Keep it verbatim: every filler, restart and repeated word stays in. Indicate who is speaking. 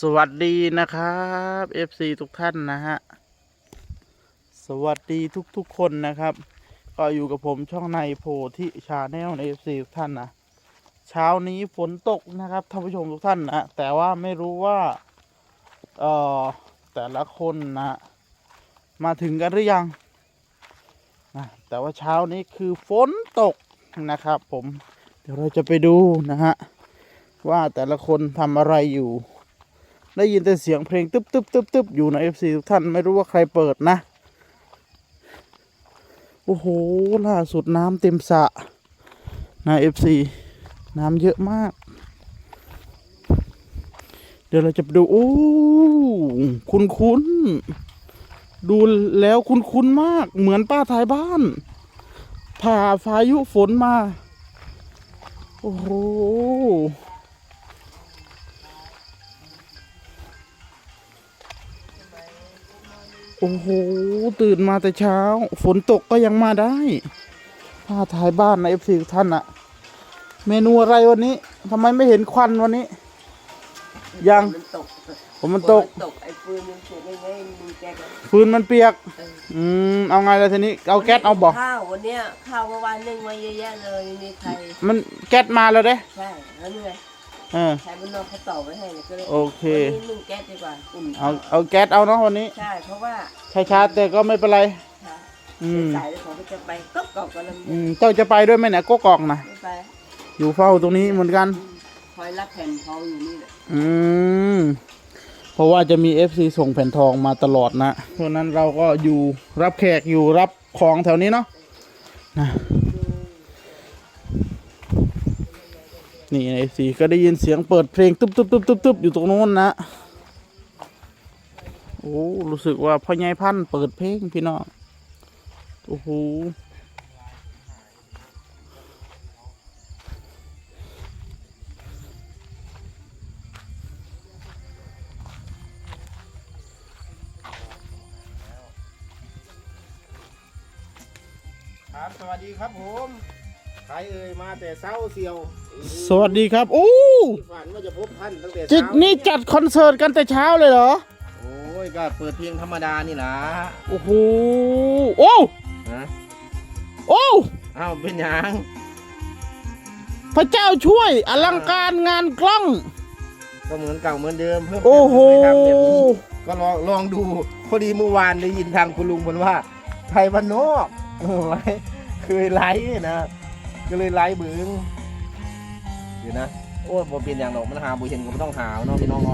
Speaker 1: สวัสดีนะครับ เอฟ ซี ทุกท่านนะฮะสวัสดีทุกๆคนนะครับก็อยู่กับผมช่องในโพธิชาแนลใน เอฟ ซี ทุกท่านนะเช้านี้ฝนตกนะครับท่านผู้ชมทุกท่านนะแต่ว่าไม่รู้ว่าเอ่อแต่ละคนนะมาถึงกันหรือยังนะแต่ว่าเช้านี้คือฝนตกนะครับผมเดี๋ยวเราจะไปดูนะฮะว่าแต่ละคนทำอะไรอยู่ได้ยินแต่เสียงเพลงตึ๊บตึ๊บตึ๊บตึ๊บอยู่ใน เอฟ ซี ทุกท่านไม่รู้ว่าใครเปิดนะโอ้โหล่าสุดน้ำเต็มสระนะ เอฟ ซี น้ำเยอะมากเดี๋ยวเราจะไปดูโอ้คุ้นคุ้นดูแล้วคุ้นคุ้นมากเหมือนป้าท้ายบ้านผ่าพายุฝนมาโอ้โหโอ้โหตื่นมาแต่เช้าฝนตกก็ยังมาได้ผ้าท้ายบ้านใน เอฟ ซี ท่านอะเมนูอะไรวันนี้ทำไมไม่เห็นควันวันนี้ยัง
Speaker 2: มันตก
Speaker 1: ผมมันตก
Speaker 2: ตกไอ้ฟืนมันเปียกยังไงมึงแกก็
Speaker 1: ฟืนมันเปียกอืมเอาไงล่ะทีนี้เอาแก๊สเอาบ่
Speaker 2: ข้าววันเนี้ยข้าวเมื่อวานนึ่งมาเยอะแยะเลยมีใคร
Speaker 1: มันแก๊สมาแล้วเด้
Speaker 2: ใช่แล้วนี่ไง
Speaker 1: เออ
Speaker 2: ใครมันนอนเขาต่อไว้ให้ก็เลย
Speaker 1: โอเค
Speaker 2: วันนี้นึ่งแก๊สดีกว่าอุ่น
Speaker 1: เอาเอาแก๊สเอาเนาะวันนี้
Speaker 2: ใช่เพราะว่า
Speaker 1: ช้าๆแต่ก็ไม่เป็นไรอืม
Speaker 2: สายของเขาจะไปก็กรอกกันแล้ว
Speaker 1: อืมเจ้าจะไปด้วยไหมเนี่ยก็กอกนะ
Speaker 2: ไม่ไป
Speaker 1: อยู่เฝ้าตรงนี้เหมือนกัน
Speaker 2: คอยรับแผ่นทองอยู่นี่แหละ
Speaker 1: อืมเพราะว่าจะมี เอฟ ซี ส่งแผ่นทองมาตลอดนะเพราะนั้นเราก็อยู่รับแขกอยู่รับของแถวนี้เนาะนะนี่ เอฟ ซี ก็ได้ยินเสียงเปิดเพลงตุ๊บตุ๊บตุ๊บตุ๊บตุ๊บอยู่ตรงโน้นนะโอ้รู้สึกว่าพ่อใหญ่พันธุ์เปิดเพลงพี่น้องโอ้โห
Speaker 3: ครับสวัสดีครับผมใครเอ่ยมาแต่เช้าเสียว
Speaker 1: สวัสดีครับโอ้
Speaker 3: ฝันว่าจะพบท่านตั้งแต่
Speaker 1: จิต
Speaker 3: เช้า
Speaker 1: นี่จัดคอนเสิร์ตกันแต่เช้าเลยเหรอ
Speaker 3: โอ้ยก็เปิดเพลงธรรมดานี่นะ
Speaker 1: โอ้โหโอ้
Speaker 3: ฮะ
Speaker 1: โอ้
Speaker 3: อ้าวเป็นยัง
Speaker 1: พระเจ้าช่วยอลังการงานกล้อง
Speaker 3: ก็เหมือนเก่าเหมือนเดิมเพิ่ม
Speaker 1: โอ้โห
Speaker 3: ก็ลองลองดูพอดีเมื่อวานได้ยินทางคุณลุงบอกว่าไทยบ้านนอกไลฟ์เคยไลฟ์นะก็เลยไลฟ์บึ้งเดี๋ยวนะโอ้ยผมเป็นอย่างหนอกมันหาบุเห็นก็ไม่ต้องหาเนาะพี่น้อง